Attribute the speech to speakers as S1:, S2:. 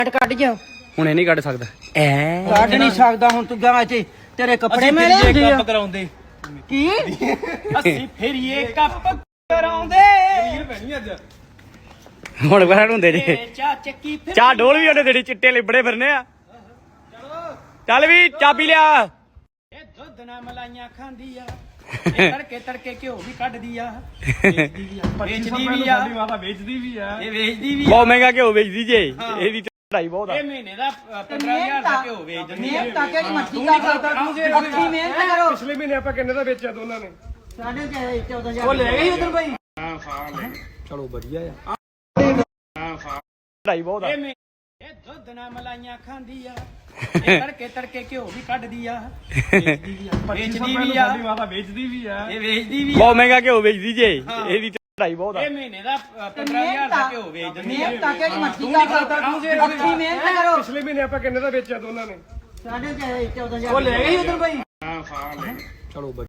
S1: ਕੱਢ ਜਾ
S2: ਹੁਣੇ ਨਹੀਂ ਕੱਢ ਸਕਦਾ ਐ
S1: ਕੱਢ ਨਹੀਂ ਸਕਦਾ ਹੁਣ ਤੂੰ ਗਾ ਇੱਥੇ ਤੇਰੇ ਕੱਪੜੇ ਮੈਂ ਲਿਆਂਦੇ ਆ
S3: ਕਰਾਉਂਦੇ
S1: ਕੀ
S3: ਅਸੀਂ ਫਿਰ ਇਹ ਕੱਪ ਕਰਾਉਂਦੇ
S2: ਹੁਣ ਬਾਹਰ ਹੁੰਦੇ ਜੇ
S3: ਚਾ ਚੱਕੀ ਫਿਰ
S2: ਚਾਹ ਡੋਲ ਵੀ ਉਹਨੇ ਤੇਰੀ ਚਿੱਟੇ ਲਿਬੜੇ ਫਿਰਨੇ ਆ ਚੱਲ ਵੀ ਚਾਬੀ ਲਿਆ
S3: ਇਹ ਦੁੱਧ ਨਾਲ ਮਲਾਈਆਂ ਖਾਂਦੀ ਆ ਇਹ ਤੜਕੇ ਤੜਕੇ ਘਿਓ ਵੀ ਕੱਢਦੀ ਆ ਵੇਚਦੀ ਵੀ ਆ ਵੇਚਦੀ ਵੀ ਆ ਵੇਚਦੀ ਵੀ ਆ ਇਹ ਵੇਚਦੀ ਵੀ ਆ
S2: ਬਹੁਤ ਮਹਿੰਗਾ ਘਿਓ ਵੇਚਦੀ ਜੇ ਇਹਦੀ ਚੜਾਈ ਬਹੁਤ ਆ
S3: ਇਹ ਮਹੀਨੇ ਦਾ 15000 ਦਾ ਘਿਓ ਵੇਚ ਦਿੰਦੀ ਆ
S1: ਮਿਹਨਤ ਤਾਂ ਕਿਹੜੀ ਮੱਛੀ ਕਰਦਾ ਅੱਖੀ ਮਿਹਨਤ ਕਰੋ
S4: ਪਿਛਲੇ ਮਹੀਨੇ ਆਪਾਂ ਕਿੰਨੇ ਦਾ ਵੇਚਿਆ ਦੋਨਾਂ ਨੇ?
S1: 14,000 ਉਹ ਲੈ ਗਈ ਉਧਰ ਬਾਈ
S2: ਚਲੋ ਵਧੀਆ ਆ ਚੜਾਈ ਬਹੁਤ ਆ
S3: ਇਹ ਦੁੱਧ ਨਾਲ ਮਲਾਈਆਂ ਖਾਂਦੀ ਆ ਇਹ ਤੜਕੇ ਤੜਕੇ ਘਿਓ ਵੀ ਕੱਢਦੀ ਆ ਵੇਚਦੀ ਵੀ ਆ ਵੇਚਦੀ ਵੀ ਆ
S4: ਵੇਚਦੀ ਵੀ ਆ
S3: ਇਹ ਵੇਚਦੀ ਵੀ ਆ
S2: ਬਹੁਤ ਮਹਿੰਗਾ ਘਿਓ ਵੇਚਦੀ ਜੇ ਇਹਦੀ ਚੜਾਈ ਬਹੁਤ ਆ
S3: ਇਹ ਮਹੀਨੇ ਦਾ 15000 ਦਾ ਘਿਓ ਵੇਚ ਦਿੰਦੀ ਆ
S1: ਮਿਹਨਤ ਤਾਂ ਕਿਹੜੀ ਮੱਛੀ ਕਰਦਾ ਅੱਖੀ ਮਿਹਨਤ ਕਰੋ
S4: ਪਿਛਲੇ ਮਹੀਨੇ ਆਪਾਂ ਕਿੰਨੇ ਦਾ ਵੇਚਿਆ ਦੋਨਾਂ ਨੇ?
S1: 14,000 ਉਹ ਲੈ ਗਈ ਉਧਰ ਬਾਈ
S2: ਚਲੋ